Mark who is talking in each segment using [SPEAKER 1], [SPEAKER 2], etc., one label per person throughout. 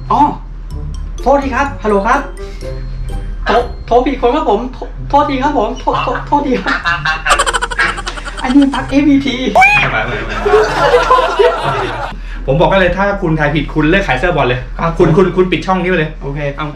[SPEAKER 1] อ๋อโทษทีครับฮัลโหลครับโทรผิดคนครับผมโทษทีครับผมโทษทีครับอันนี้ปัก ABT
[SPEAKER 2] ผมบอกกันเลยถ้าคุณทายผิดคุณเลิกขายเสื้อบอลเลยคุณปิดช่องนี้ไปเลย
[SPEAKER 1] โอเคเอา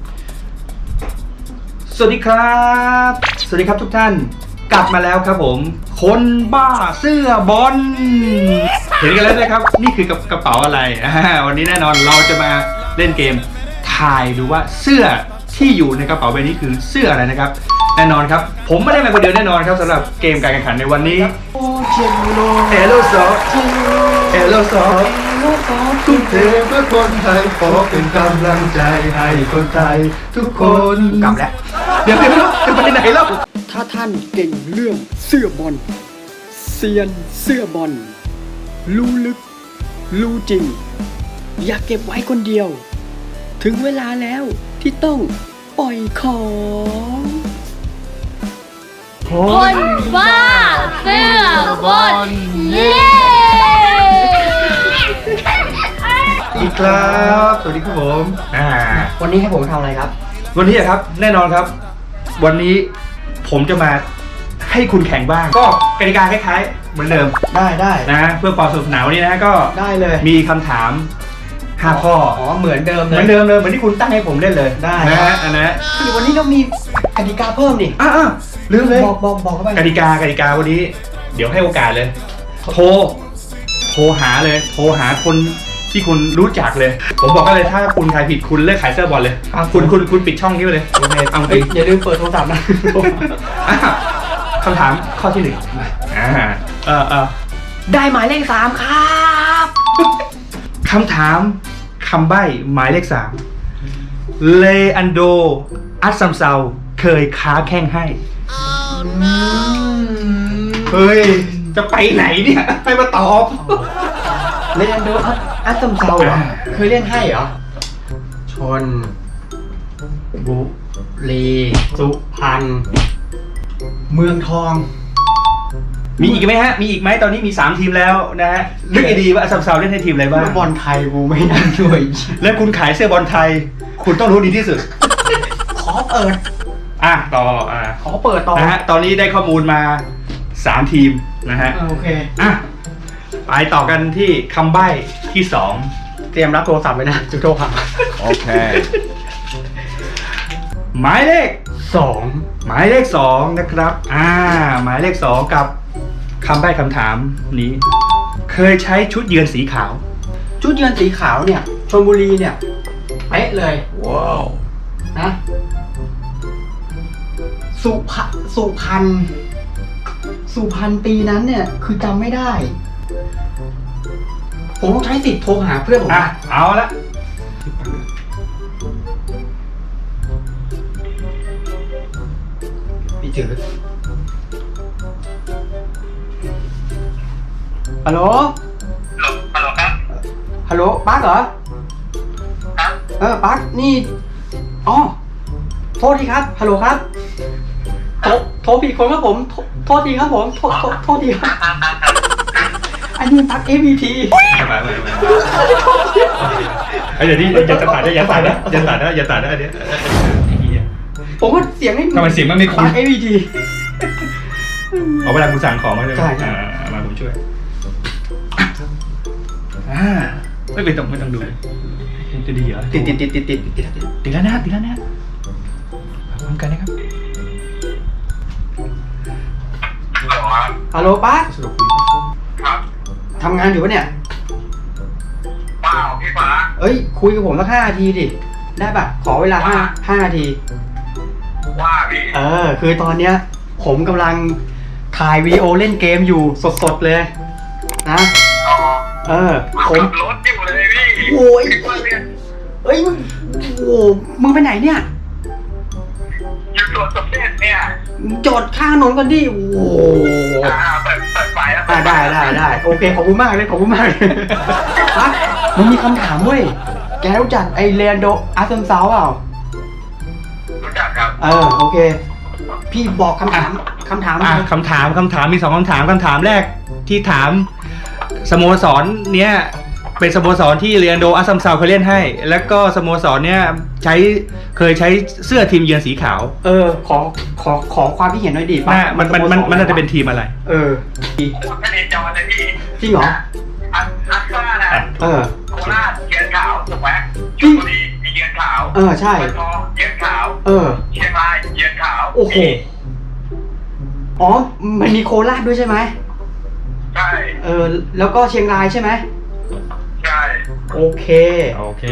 [SPEAKER 2] สวัสดีครับทุกท่านกลับมาแล้วครับผมคนบ้าเสื้อบอลเห็นกันแล้วนะครับนี่คือกระเป๋าอะไรวันนี้แน่นอนเราจะมาเล่นเกมทายดูว่าเสื้อที่อยู่ในกระเป๋าใบนี้คือเสื้ออะไรนะครับแน่นอนครับผมไม่ได้มาคนเดียวแน่นอนครับสำหรับเกมการแข่งขันในวันนี้เอโลซอฟ
[SPEAKER 3] ทุ่มเทเพื่อคนไทยขอเป็นกำลังใจให้คนไทยทุกคน
[SPEAKER 2] กลับแล้วเดี๋ยวจะไปไหนแล้ว
[SPEAKER 1] ถ้าท่านเก่งเรื่องเสื้อบอลเซียนเสื้อบอลรู้ลึกรู้จริงอย่าเก็บไว้คนเดียวถึงเวลาแล้วที่ต้องปล่อยของ
[SPEAKER 4] คนบ้าเสื้อบอลเย้
[SPEAKER 2] อีกครับสวัสดีครับผม
[SPEAKER 1] วันนี้ให้ผมทำอะไรครับ
[SPEAKER 2] วันนี้ครับแน่นอนครับวันนี้ผมจะมาให้คุณแข่งบ้างก็กติกาคล้ายๆเหมือนเดิม
[SPEAKER 1] ได้
[SPEAKER 2] นะเพื่อความสนุกสนานวันนี้นะก็
[SPEAKER 1] ได้เลย
[SPEAKER 2] มีคำถาม5 ข้อ
[SPEAKER 1] เหมือนเดิมเลย
[SPEAKER 2] เหมือนที่คุณตั้งให้ผมเล่นเลย
[SPEAKER 1] ได้
[SPEAKER 2] นะฮะอันนั้น
[SPEAKER 1] วันนี้เรามีกติกาเพิ่มนี่
[SPEAKER 2] ลืมเลย
[SPEAKER 1] บอกเข้าไป
[SPEAKER 2] กติกาวันนี้เดี๋ยวให้โอกาสเลยโทรหาคนที่คุณรู้จักเลยผมบอกกันเลยถ้าคุณทายผิดคุณเลิกขายเสื้อบอลเลยคุณปิดช่องนี้ไปเลยโอเคเอาจริง
[SPEAKER 1] อย่าลืมเปิดโทรศัพท์นะ
[SPEAKER 2] คำถามข้อที่1
[SPEAKER 1] ได้หมายเลข3ครับ
[SPEAKER 2] คำถามคำใบ้หมายเลข3เลอันโดอัสซัมเซาเคยค้าแข้งให้เฮ้ยจะไปไหนเนี่ยให้มาตอบ
[SPEAKER 1] เลอันโดอัสซัมเซาเหรอเคยเล่นให้เหรอชนบุรีสุพรรณเมืองทอง
[SPEAKER 2] มีอีกไหมฮะมีอีกไหมตอนนี้มี3ทีมแล้วนะฮะนึกดีว่าอัสซัมเซาเล่นให้ทีมอะไรบ้าง
[SPEAKER 1] บอลไทยกูไม่น่าช่วย
[SPEAKER 2] แล้วคุณขายเสื้อบอลไทยคุณต้องรู้ดีที่สุด
[SPEAKER 1] ขอเปิด
[SPEAKER 2] ต่อ
[SPEAKER 1] ขอเปิดต่อ
[SPEAKER 2] นะฮะตอนนี้ได้ข้อมูลมา3ทีมนะฮะ
[SPEAKER 1] โอเค
[SPEAKER 2] ไปต่อกันที่คำใบ้ที่
[SPEAKER 1] 2เตรียมรับโทรศัพท์ไว้นะจุดโทรหา
[SPEAKER 2] โอเคหมายเลข2นะครับหมายเลข2กับคำใบ้คำถามนี้เคยใช้ชุดเยือนสีขาว
[SPEAKER 1] ชุดเยือนสีขาวเนี่ยชลบุรีเนี่ยเป๊ะเลยว้าวนะสุพรรณปีนั้นเนี่ยคือจำไม่ได้ผมต้องใช้สิทธิ์โทรหาเพื่อนผม
[SPEAKER 2] เอาละ
[SPEAKER 1] พี่จืดฮัลโหลครับฮัลโหลปั๊กเหรอปั๊กนี่โทษทีครับฮัลโหลครับโทรผิดคนครับผมโทษทีครับผมโทษทีครับอันนี้ปัก ABT
[SPEAKER 2] เดี๋ยวนี้อย่าตัดนะอย่าตัดนะอันนี้
[SPEAKER 1] ผมว่าเสียงไม่
[SPEAKER 2] ทำไมเสียงมันไม่คุ้น
[SPEAKER 1] ABT
[SPEAKER 2] เอาเวลาคุณสั่งของมาเลย
[SPEAKER 1] ใช่
[SPEAKER 2] มาผมช่วยไม่ต้องดูจะดีเหรอ
[SPEAKER 1] ติด
[SPEAKER 2] แล้วนะพร้อมกันนะครับ
[SPEAKER 1] ฮัลโหลปั๊ก
[SPEAKER 3] ครับ
[SPEAKER 1] ทำงานอยู่ปะเนี่ย
[SPEAKER 3] เปล่าพี่ฟ้า
[SPEAKER 1] คุยกับผมสัก5 นาทีดิได้ป่ะขอเวลา5 นาที
[SPEAKER 3] ว่าพี่
[SPEAKER 1] คือตอนเนี้ยผมกำลังถ่ายวีดีโอเล่นเกมอยู่สดๆเลยนะ
[SPEAKER 3] ผมรถอยู่เลยพี่
[SPEAKER 1] โอ้ยมึงไปไหนเนี่ย
[SPEAKER 3] อยู่สวนสมเด็จเนี่ย
[SPEAKER 1] จอดข้างถนนก่อนดิ
[SPEAKER 3] เปิดไฟแล้ว
[SPEAKER 1] ได้โอเคขอบคุณมากเลยมันมีคำถามเว้ยแกรู้จักไอเลอันโดอัสซัมเซาเปล่า
[SPEAKER 3] รู้จักครับ
[SPEAKER 1] โอเคพี่บอกคำถาม
[SPEAKER 2] คำถามมี2 คำถามคำถามแรกที่ถามสโมสรเนี้ยเป็นสโมสรที่เรียนโดอัสซัมซาวเคยเล่นให้ แล้วก็สโมสรเนี่ยเคยใช้เสื้อทีมเยือนสีขาว
[SPEAKER 1] ขอความคิดเห็นหน่อยดิ
[SPEAKER 2] มันน่าจะเป็นทีมอะไร
[SPEAKER 5] ไม่เรียนจอเลยพี่
[SPEAKER 1] จริงเหรอ
[SPEAKER 5] อัสซ่านะ โคราชเยือนขาวถูกไหมชลบุรีมีเยือนขาว
[SPEAKER 1] ใช่
[SPEAKER 5] เมืองทองเยือนขาว เชียงรายเยือนขาว
[SPEAKER 1] โอ้โห อ๋อ มันมีโคราชด้วยใช่ไหม
[SPEAKER 5] ใช่
[SPEAKER 1] แล้วก็เชียงรายใช่ไหม
[SPEAKER 5] ใช่
[SPEAKER 1] โอเค
[SPEAKER 2] โอเค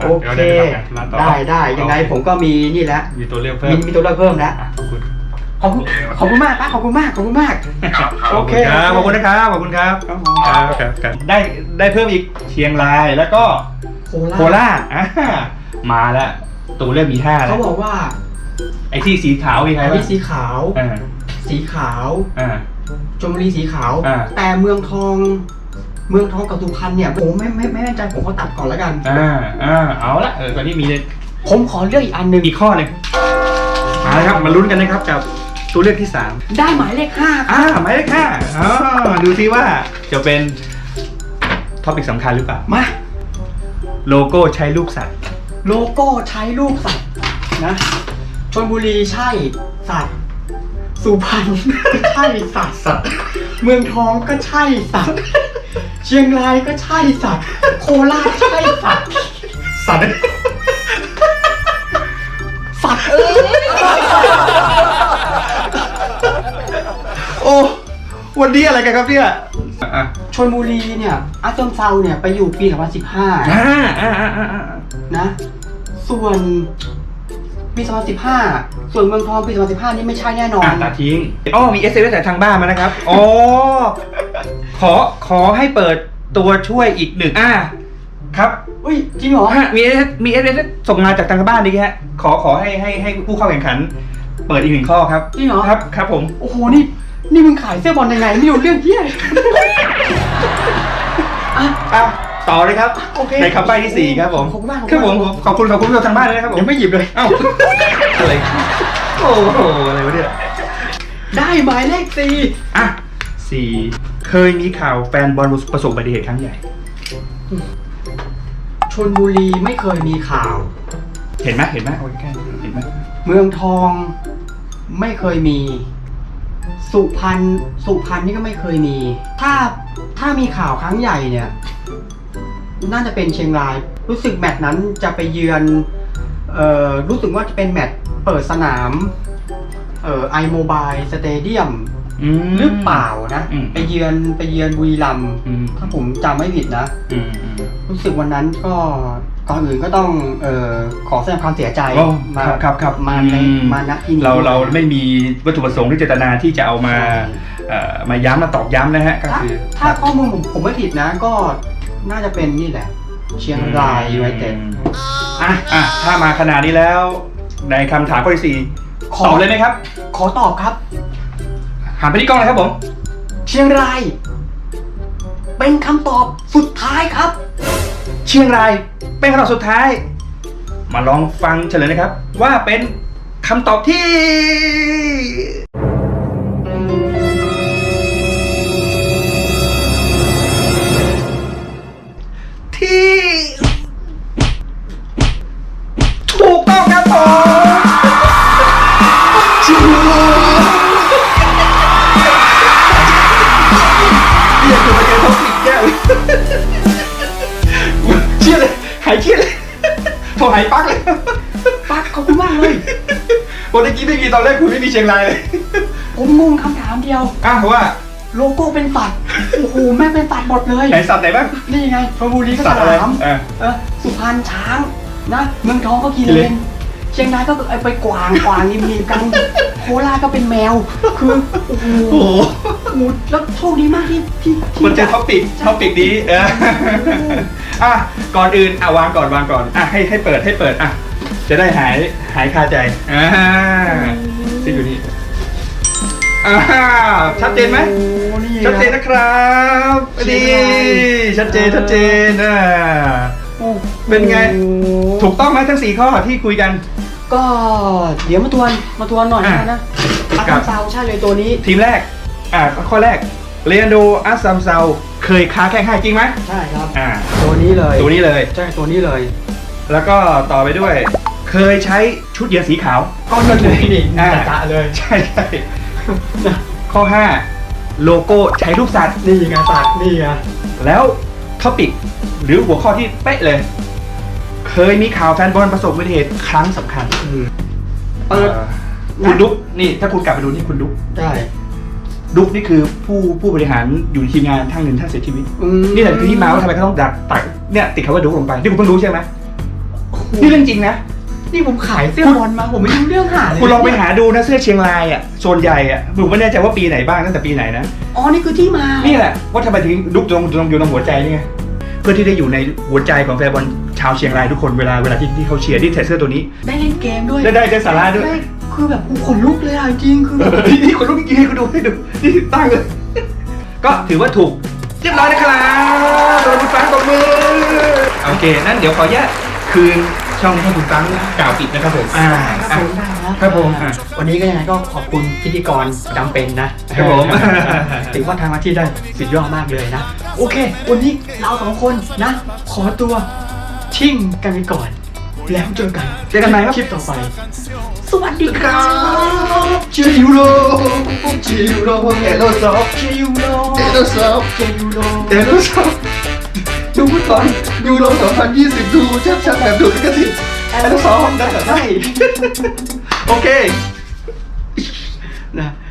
[SPEAKER 1] ได้ยังไงผมก็มีนี่แล้ว
[SPEAKER 2] มีตัวเลือกเพิ่ม
[SPEAKER 1] มีตัวเลือกเพิ่มแล้ว
[SPEAKER 2] ขอบคุณ
[SPEAKER 1] ขอบคุณมากป้าขอบคุณมาก
[SPEAKER 5] ครับ
[SPEAKER 1] โอเค
[SPEAKER 2] ขอบคุณนะครับ ขอบคุณครับ ครับได้เพิ่มอีกเชียงรายแล้วก็โคราชมาแล้วตัวเลือกมี5แล้ว
[SPEAKER 1] เขาบอกว่า
[SPEAKER 2] ไอ้ที่สีขาวมีใคร
[SPEAKER 1] อัน
[SPEAKER 2] บ้า
[SPEAKER 1] นี้
[SPEAKER 2] ง
[SPEAKER 1] สีขาว สีขาว ชลบุรีสีขาว แต่เมืองทองกับสุพรรณเนี่ยผมไม่แน่ใจผมขอตัดก่อนแล้วกัน
[SPEAKER 2] เอาละตอนนี้มี
[SPEAKER 1] ผมขอเลือกอีกอันหนึ่ง
[SPEAKER 2] อีกข้อหนึ่งมาเลยครับมาลุ้นกันนะครับกับตัวเลือกที่3
[SPEAKER 1] ได้หมายเลข5
[SPEAKER 2] หมายเลข5ดูซิว่าจะเป็นท็อปิกสำคัญหรือเปล่า
[SPEAKER 1] มา
[SPEAKER 2] โลโก้ใช้รูปสัตว์
[SPEAKER 1] โลโก้ใช้รูปสัตว์นะชลบุรีใช่สัตว์สุพรรณใช่สัตว์เมืองทองก็ใช่สัตว์เชียงรายก็ใช่สัตว์โคราชใช่สัตว์
[SPEAKER 2] สัตว์
[SPEAKER 1] สัตว์
[SPEAKER 2] โอ้วันนี้อะไรกันครับเนี่ย
[SPEAKER 1] ชลบุรีเนี่ยอาจอมเซาเนี่ยไปอยู่ปี2015นะส่วนปี2015ส่วนเมืองทองปี2015นี่ไม่ใช่แน่นอน
[SPEAKER 2] ตัดทิ้งมี SMS จากทางบ้านมานะครับขอให้เปิดตัวช่วยอีก1ครับ
[SPEAKER 1] อุ้ยจริงเหรอ
[SPEAKER 2] มี SMS ส่งมาจากทางบ้านนี่ฮะขอให้ผู้เข้าแข่งขัน เปิดอีก1ข้อครับ
[SPEAKER 1] จริงเหรอ
[SPEAKER 2] ครับผม
[SPEAKER 1] โอ้โหนี่มึงขายเสื้อบอลยังไงไม่รู้เรื่องเหี้ย
[SPEAKER 2] ต่อเลยครับ
[SPEAKER 1] โอเค
[SPEAKER 2] ในคำใบ้ที่4ครับผม
[SPEAKER 1] ขอบคุณมาก
[SPEAKER 2] ครับผมขอบคุณผู้ชมทางบ้านเลยนะครับผม
[SPEAKER 1] ยังไม่หยิบเลย
[SPEAKER 2] อะไรโอ้โหอะไรวะเนี่ย
[SPEAKER 1] ได้หมายเลข4
[SPEAKER 2] 4เคยมีข่าวแฟนบอลประสบอุบัติเหตุครั้งใหญ่
[SPEAKER 1] ชลบุรีไม่เคยมีข่าว
[SPEAKER 2] เห็นไหมโอ้ยแค่เห็นไหม
[SPEAKER 1] เมืองทองไม่เคยมี สุพรรณนี่ก็ไม่เคยมี ถ้ามีข่าวครั้งใหญ่เนี่ยน่าจะเป็นเชียงราย รู้สึกแมตช์นั้นจะไปเยือนรู้สึกว่าจะเป็นแมตช์เปิดสนามiMobile Stadium หรือเปล่านะไปเยือนบุรีรัมย์ถ้าผมจำไม่ผิดนะรู้สึกวันนั้นก็ก่อนอื่นก็ต้องขอแสดงความเสียใจ
[SPEAKER 2] ครับ
[SPEAKER 1] มาณที่นี้
[SPEAKER 2] เราไม่มีวัตถุประสงค์ที่เจตนาที่จะเอามาย้ำมาตอกย้ำนะฮะก็คือ
[SPEAKER 1] ถ้าข้อมูลผมไม่ผิดนะก็น่าจะเป็นนี่แหละ เชียงรายยูไนเต็ด
[SPEAKER 2] ถ้ามาขนาดนี้แล้วในคำถามข้อที่4ตอบเลยไหมครับ
[SPEAKER 1] ขอตอบครับ
[SPEAKER 2] หันไปที่กล้องเลยครับผม
[SPEAKER 1] เชียงราย เป็นคำตอบสุดท้ายครับ
[SPEAKER 2] เชียงรายเป็นคำตอบสุดท้าย มาลองฟังเฉลยนะครับ ว่าเป็นคำตอบที่ถูกต้องครับผมเรียกตัวเองเขาปิดแก้วเชี่ยเลยหายเครียดเลยพอหายปักเลย
[SPEAKER 1] ปักขอบคุณมากเลย
[SPEAKER 2] วันเมื่อกี้ไม่มีตอนแรกคุณไม่มีเชียงรายเลย
[SPEAKER 1] ผมงงคำถามเดียว
[SPEAKER 2] ว่า
[SPEAKER 1] โลโก้เป็นสัตว์โอ้โหแม่งเป็นสัตว์หมดเลย
[SPEAKER 2] ไหนสัตว์ไหนบ้าง
[SPEAKER 1] นี่ไงชลบุรีก็
[SPEAKER 2] สั
[SPEAKER 1] ฉ
[SPEAKER 2] ตว์อะไร
[SPEAKER 1] ลาม สุพรรณช้างนะเมืองทองก็กินเลนเชียงรายก็ไปกวางนิ่มๆกันโคราชก็เป็นแมวคือโอ้โหแล้วโชคดีมากที่
[SPEAKER 2] มันเจอท็อปิกนี้ก่อนอื่นวางก่อนให้เปิดจะได้หายคาใจที่อยู่นี่ชัดเจนไหมชัดเจนนะครับดีชัดเจนเป็นไงถูกต้องไหมทั้ง4ข้อที่คุยกัน
[SPEAKER 1] ก็เดี๋ยวมาทวนหน่อยนะอาจารย์ซาวใช่เลยตัวนี้
[SPEAKER 2] ทีมแรกข้อแรกเรนโดอัสซัมเซาเคยค้าแข่งให้จริงไหม
[SPEAKER 1] ใช่ครับ
[SPEAKER 2] อ่า
[SPEAKER 1] ตัวนี้เลย
[SPEAKER 2] ตัวนี้เลย
[SPEAKER 1] ใช่ตัวนี้เลย
[SPEAKER 2] แล้วก็ต่อไปด้วย เคยใช้ชุดเยือนสีขาว
[SPEAKER 1] ก็นั่นเลยนี่
[SPEAKER 2] อ่า
[SPEAKER 1] จะเลย
[SPEAKER 2] ใช่ใช่ข้อ 5 โลโก้ใช้รูปสัตว์
[SPEAKER 1] นี่ไงสัตว์นี่ไง
[SPEAKER 2] แล้วท็อปิกหรือหัวข้อที่เป๊ะเลย เคยมีข่าวแฟนบอลประสบอุบัติเหตุครั้งสำคัญ
[SPEAKER 1] เปิด
[SPEAKER 2] คุณดุ๊กนี่ถ้าคุณกลับไปดูนี่คุณดุ๊ก
[SPEAKER 1] ใช่
[SPEAKER 2] ดุ๊กนี่คือผู้บริหารอยู่ในทีมงานท่านหนึ่งท่านเสียชีวิต นี่แหละคือที่มาว่าทำไมเขาต้องดักตัดเนี่ยติดคำว่าดุ๊กลงไปที่คุณเพิ่งรู้ใช่ไหมนี่เรื่องจริงนะ
[SPEAKER 1] นี่ผมขายเสื้อบอลมาผมไม่รู้เรื่องหาเลย
[SPEAKER 2] คุณลองไปหาดูนะเสื้อเชียงรายอ่ะโซนใหญ่อ่ะผมไม่แน่ใจว่าปีไหนบ้างตั้งแต่ปีไหนนะ
[SPEAKER 1] อ๋อนี่คือที่มา
[SPEAKER 2] นี่แหละว่าทำไมถึงดุ๊กตรงอยู่ตรงหัวใจนี่ไงเพื่อที่ได้อยู่ในหัวใจของแฟนบอลชาวเชียงรายทุกคนเวลาที่เขาเชียร์ที่ใส่เสื้อตัวนี้
[SPEAKER 1] ได้เล่นเกมด้วย
[SPEAKER 2] ได้สาระด้วย
[SPEAKER 1] ได้คือแบบกูขนลุกเลยอ่ะจริงคือแบบ
[SPEAKER 2] นี่คนลูกจริงๆให้คุณดูนี่ตั้งเลย ก็ถือว่าถูกเรียบร้อยนะครับตัวคุณฟังตบมือโอเคนั่นเดี๋ยวขอแยกคืนช่องนี้ให้คุณฟังกล่าวปิดนะครับผม
[SPEAKER 1] ได้นะครับ
[SPEAKER 2] ผม
[SPEAKER 1] วันนี้ก็ยังไงก็ขอบคุณพิธีกรจำเป็นนะครับ
[SPEAKER 2] ผม
[SPEAKER 1] ถือว่าทำหน้าที่ได้สุดยอดมากเลยนะ โอเค วันนี้เราสองคนนะ ขอตัวชิ่งกันไปก่อน แล้วเจอกัน
[SPEAKER 2] เจอกันใหม่ครับ
[SPEAKER 1] คลิปต่อไป สวัสดีครับ
[SPEAKER 3] ชิวโรชิวโรเอโลซอฟ
[SPEAKER 1] เจยูโร
[SPEAKER 3] เอโลซอฟ
[SPEAKER 1] เจยูโร
[SPEAKER 3] เอโลซอฟดูฟุตบอลยูโร2020ดูชัดๆแบบดูลิขสิทธิ์
[SPEAKER 1] แอลซอฟได้
[SPEAKER 2] โอเค
[SPEAKER 1] นะ